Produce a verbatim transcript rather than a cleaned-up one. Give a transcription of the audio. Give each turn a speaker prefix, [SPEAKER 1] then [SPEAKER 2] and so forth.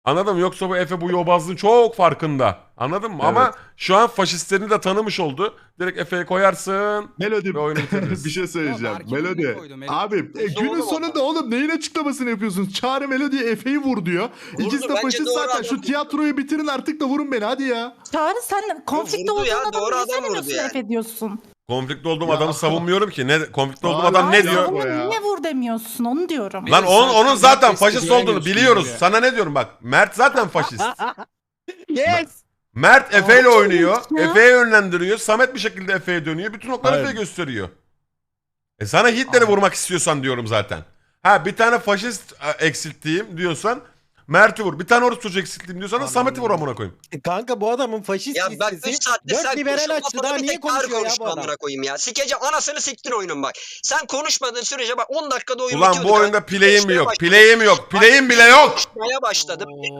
[SPEAKER 1] Anladın mı? Yoksa bu Efe bu yobazlığın çok farkında. Anladın mı?
[SPEAKER 2] Evet.
[SPEAKER 1] Ama şu an faşistlerini de tanımış oldu. Direkt Efe'ye koyarsın
[SPEAKER 2] Melodi
[SPEAKER 1] ve oyunu bitiririz.
[SPEAKER 2] bir şey söyleyeceğim.
[SPEAKER 3] Yok, Berke'yi niye
[SPEAKER 2] Melodi.
[SPEAKER 3] koydu? Melodi
[SPEAKER 2] Abi e,
[SPEAKER 4] Vurdu
[SPEAKER 2] günün
[SPEAKER 4] oğlum
[SPEAKER 2] sonunda
[SPEAKER 4] adam.
[SPEAKER 2] oğlum neyin açıklamasını yapıyorsunuz? Çağrı Melodi'ye Efe'yi vur diyor.
[SPEAKER 4] Vurdu,
[SPEAKER 2] İkisi de
[SPEAKER 4] bence
[SPEAKER 2] faşist
[SPEAKER 4] doğru
[SPEAKER 2] zaten.
[SPEAKER 4] adam
[SPEAKER 2] Şu
[SPEAKER 4] vurdu.
[SPEAKER 2] tiyatroyu bitirin artık da vurun beni hadi ya.
[SPEAKER 5] Çağrı sen konflikte
[SPEAKER 4] vurdu
[SPEAKER 5] olduğun
[SPEAKER 4] ya,
[SPEAKER 5] adamı
[SPEAKER 4] doğru
[SPEAKER 5] niye
[SPEAKER 4] adam vurdu
[SPEAKER 5] söylemiyorsun
[SPEAKER 4] yani.
[SPEAKER 5] Efe diyorsun?
[SPEAKER 1] Konflikte olduğum
[SPEAKER 2] Ya.
[SPEAKER 1] adamı savunmuyorum ki. Ne konflikte olduğum
[SPEAKER 2] Hala
[SPEAKER 1] adam ne
[SPEAKER 2] ya.
[SPEAKER 1] diyor?
[SPEAKER 5] Savunma
[SPEAKER 2] ya.
[SPEAKER 5] niye vur demiyorsun onu diyorum.
[SPEAKER 1] Lan onun, onun zaten
[SPEAKER 3] Herkes
[SPEAKER 1] faşist
[SPEAKER 3] güvenmiyor
[SPEAKER 1] olduğunu
[SPEAKER 3] şimdi
[SPEAKER 1] biliyoruz.
[SPEAKER 3] ya.
[SPEAKER 1] Sana ne diyorum bak. Mert zaten faşist.
[SPEAKER 3] Yes.
[SPEAKER 1] Mert Efe ile
[SPEAKER 5] Aa,
[SPEAKER 1] oynuyor.
[SPEAKER 5] çok ilginç ya.
[SPEAKER 1] Efe'ye yönlendiriyor. Samet bir şekilde Efe'ye dönüyor. Bütün okları
[SPEAKER 2] Aynen.
[SPEAKER 1] Efe'ye gösteriyor. E sana Hitler'i vurmak istiyorsan diyorum zaten. Ha bir tane faşist e, eksilttiğim diyorsan Mert'i vur. Bir tane orospu çocuğu eksilttiğim diyorsan da Samet'i vur amına koyayım.
[SPEAKER 6] E kanka bu adamın faşist
[SPEAKER 4] Ya bak
[SPEAKER 6] listesi
[SPEAKER 4] üç saattir
[SPEAKER 6] dört
[SPEAKER 4] sen
[SPEAKER 6] liberal
[SPEAKER 4] konuşma,
[SPEAKER 6] açtı
[SPEAKER 4] kafada
[SPEAKER 6] daha
[SPEAKER 4] bir
[SPEAKER 6] niye
[SPEAKER 4] tek Çağrı
[SPEAKER 6] konuşuyor ya bu
[SPEAKER 4] konuştu
[SPEAKER 6] adam?
[SPEAKER 4] amına koyayım ya. Sikeceğim anasını siktin oyunun bak. Sen konuşmadığın sürece bak on dakikada oyun
[SPEAKER 1] Ulan
[SPEAKER 4] bitiyordu.
[SPEAKER 1] bu
[SPEAKER 4] Ben
[SPEAKER 1] oyunda play'im mi yok?
[SPEAKER 4] başladım.
[SPEAKER 1] Play'im yok. Play'im bile yok.
[SPEAKER 4] Konuşmaya başladım.